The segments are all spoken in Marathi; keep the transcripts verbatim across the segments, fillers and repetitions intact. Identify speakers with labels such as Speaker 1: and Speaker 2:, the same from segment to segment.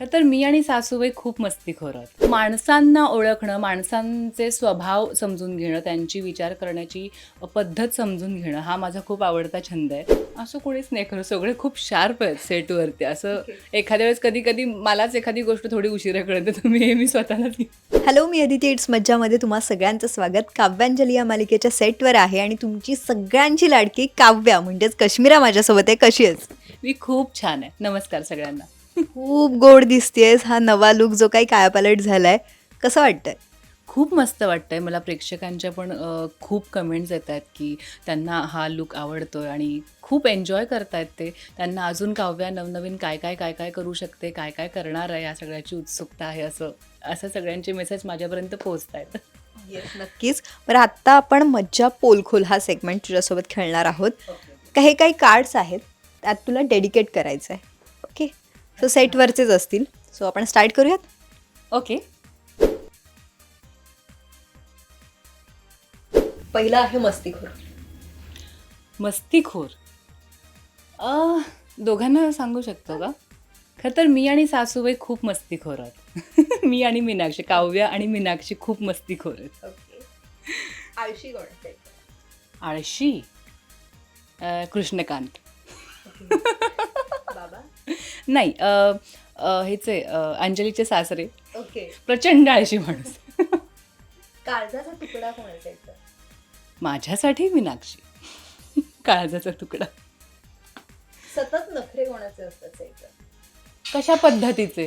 Speaker 1: खरं तर मी आणि सासूबाई खूप मस्तीखोर आहोत. माणसांना ओळखणं, माणसांचे स्वभाव समजून घेणं, त्यांची विचार करण्याची पद्धत समजून घेणं हा माझा खूप आवडता छंद आहे. असं कोणीच नाही खरं, सगळे खूप शार्प आहेत सेटवरती. असं एखाद्या वेळेस कधी कधी मलाच एखादी गोष्ट थोडी उशिरा कळते, तर मी हे मी स्वतःलाच
Speaker 2: हॅलो, मी अदिती. इट्स मज्जामध्ये तुम्हा सगळ्यांचं स्वागत. काव्यांजली या मालिकेच्या सेटवर आहे आणि तुमची सगळ्यांची लाडकी काव्या म्हणजेच कश्मीरा माझ्यासोबत आहे. कशी आहेस?
Speaker 1: मी खूप छान आहे. नमस्कार सगळ्यांना.
Speaker 2: खूप गोड दिसतेस. हा नवा लुक जो काही कायापालट झालाय, कसं वाटतंय?
Speaker 1: खूप मस्त वाटतंय मला. प्रेक्षकांच्या पण अ, खूप कमेंट्स येत आहेत की त्यांना हा लुक आवडतोय आणि खूप एन्जॉय करतायत ते. त्यांना अजून काव्या नवनवीन काय काय काय काय करू शकते, काय काय करणार आहे, या सगळ्याची उत्सुकता आहे. असं असं सगळ्यांचे मेसेज माझ्यापर्यंत पोहोचत आहेत.
Speaker 2: येस, नक्कीच. बरं, आत्ता आपण मज्जा पोलखोल हा सेगमेंट तुझ्यासोबत खेळणार आहोत. काही काही कार्ड्स आहेत, त्यात तुला डेडिकेट करायचं आहे. ओके, सो सेटवरचेच असतील. सो आपण स्टार्ट करूयात.
Speaker 1: ओके.
Speaker 2: पहिला आहे मस्तीखोर.
Speaker 1: मस्तीखोर अ, दोघांना सांगू शकतो का? खरं तर मी आणि सासूबाई खूप मस्तीखोर आहोत. मी आणि मीनाक्षी, काव्या आणि मीनाक्षी खूप मस्तीखोर आहेत.
Speaker 2: ओके. आळशी कोण आहे?
Speaker 1: आळशी अ, कृष्णकांत.
Speaker 2: बाबा.
Speaker 1: नाही, अ, अ, हेचे अ, अंजलीचे सासरे.
Speaker 2: ओके.
Speaker 1: प्रचंड आळशी माणूस.
Speaker 2: काळजाचा तुकडा कोणाचा आहे?
Speaker 1: माझ्यासाठी मीनाक्षी. काळजाचा तुकडा.
Speaker 2: सतत नखरे कोणाचे असतात?
Speaker 1: कशा पद्धतीचे?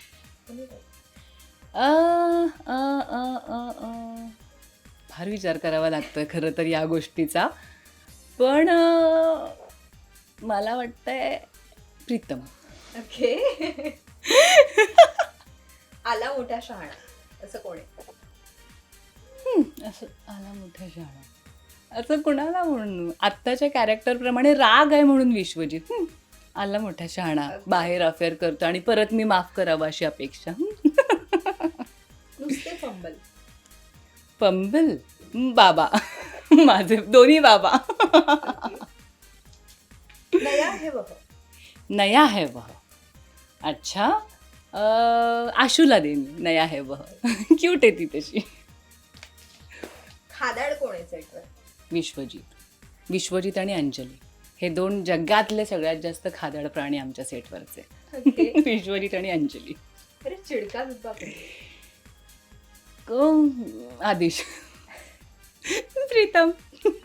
Speaker 1: अ, अ, अ, अ, अ. फार विचार करावा लागतोय खरं तर या गोष्टीचा. पण अ, मला वाटतंय प्रीतम.
Speaker 2: ओके. आला मोठा शहाणा असं कोण आहे?
Speaker 1: हं, असं आला मोठा शहाणा. असं कुणाला म्हणून आत्ताच्या कॅरेक्टरप्रमाणे राग आहे म्हणून विश्वजित. हं, आला मोठा शहाणा, बाहेर अफेअर करतो आणि परत मी माफ करावं अशी अपेक्षा.
Speaker 2: नुसते फंबल.
Speaker 1: पंबल बाबा. माझे दोन्ही बाबा.
Speaker 2: नया है वह.
Speaker 1: नया है वह. अच्छा. अ, आशूला देईन नया है वह. क्यूट आहे ती तशी.
Speaker 2: खादाड कोण आहे सेटवर?
Speaker 1: विश्वजित. विश्वजित आणि अंजली हे दोन जगातले सगळ्यात जास्त खादाड प्राणी आमच्या सेटवरचे. विश्वजित आणि अंजली.
Speaker 2: अरे चिडका बिब्बा.
Speaker 1: क- आदिश. प्रीतम.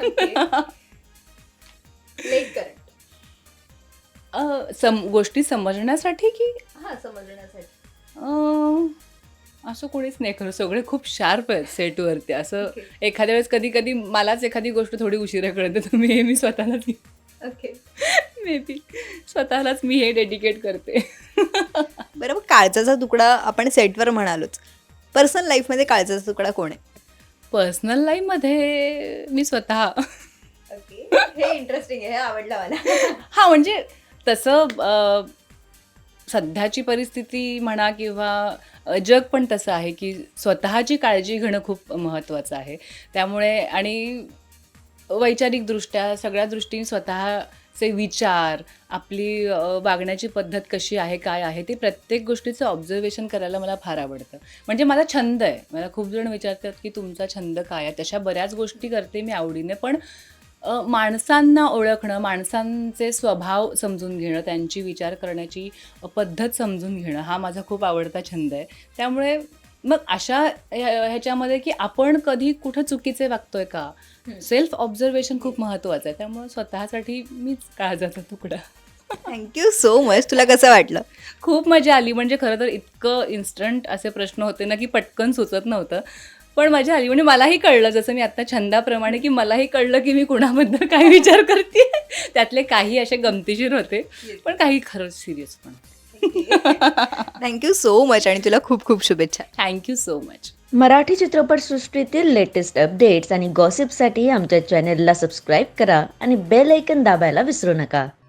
Speaker 2: लेट करंट.
Speaker 1: अ, सम गोष्टी समजण्यासाठी की
Speaker 2: हा, समजण्यासाठी.
Speaker 1: अ, असं कोणीच नाही खरं, सगळे खूप शार्प आहेत सेटवरती. असं एखाद्या वेळेस कधी कधी मलाच एखादी गोष्ट थोडी उशिरा कळते, तर मी हे मी स्वतःलाच
Speaker 2: ओके.
Speaker 1: मे बी स्वतःलाच मी हे डेडिकेट करते.
Speaker 2: बरं, मग काळजाचा तुकडा आपण सेटवर म्हणालोच. पर्सनल लाईफमध्ये काळजाचा तुकडा कोण आहे?
Speaker 1: पर्सनल लाईफमध्ये मी स्वतः.
Speaker 2: ओके, हे इंटरेस्टिंग आहे, हे आवडलं मला.
Speaker 1: हां, म्हणजे तसं अ, सध्याची परिस्थिती म्हणा किंवा अ, जग पण तसं आहे की स्वतःची काळजी घेणं खूप महत्त्वाचं आहे. त्यामुळे आणि वैचारिकदृष्ट्या सगळ्या दृष्टीने स्वतःचे विचार, आपली अ, वागण्याची पद्धत कशी आहे, काय आहे, ते प्रत्येक गोष्टीचं ऑब्झर्वेशन करायला मला फार आवडतं. म्हणजे मला छंद आहे. मला खूप जण विचारतात की तुमचा छंद काय आहे? तशा बऱ्याच गोष्टी करते मी आवडीने. पण अ, माणसांना ओळखणं, माणसांचे स्वभाव समजून घेणं, त्यांची विचार करण्याची पद्धत समजून घेणं हा माझा खूप आवडता छंद आहे. त्यामुळे मग अशा ह्या ह्याच्यामध्ये की आपण कधी कुठं चुकीचे वागतोय का, सेल्फ ऑब्झर्वेशन खूप महत्त्वाचं आहे. त्यामुळे स्वतःसाठी मीच काळजाचा तुकडा.
Speaker 2: Thank you so much. तुला कसं वाटलं?
Speaker 1: खूप मजा आली. म्हणजे खरं तर इतकं इन्स्टंट असे प्रश्न होते ना की पटकन सुचत नव्हतं. पण मजा आली. म्हणजे मलाही कळलं, जसं मी आत्ता छंदाप्रमाणे, की मलाही कळलं की मी कुणाबद्दल काय विचार करते. त्यातले काही असे गमतीशीर होते, पण काही खरंच सिरियस पण.
Speaker 2: थँक्यू सो मच आणि तुला खूप खूप शुभेच्छा.
Speaker 1: Thank you so much.
Speaker 3: मराठी चित्रपटसृष्टीतील लेटेस्ट अपडेट्स आणि गॉसिपसाठी आमच्या चॅनेलला सबस्क्राईब करा आणि बेल ऐकन दाबायला विसरू नका.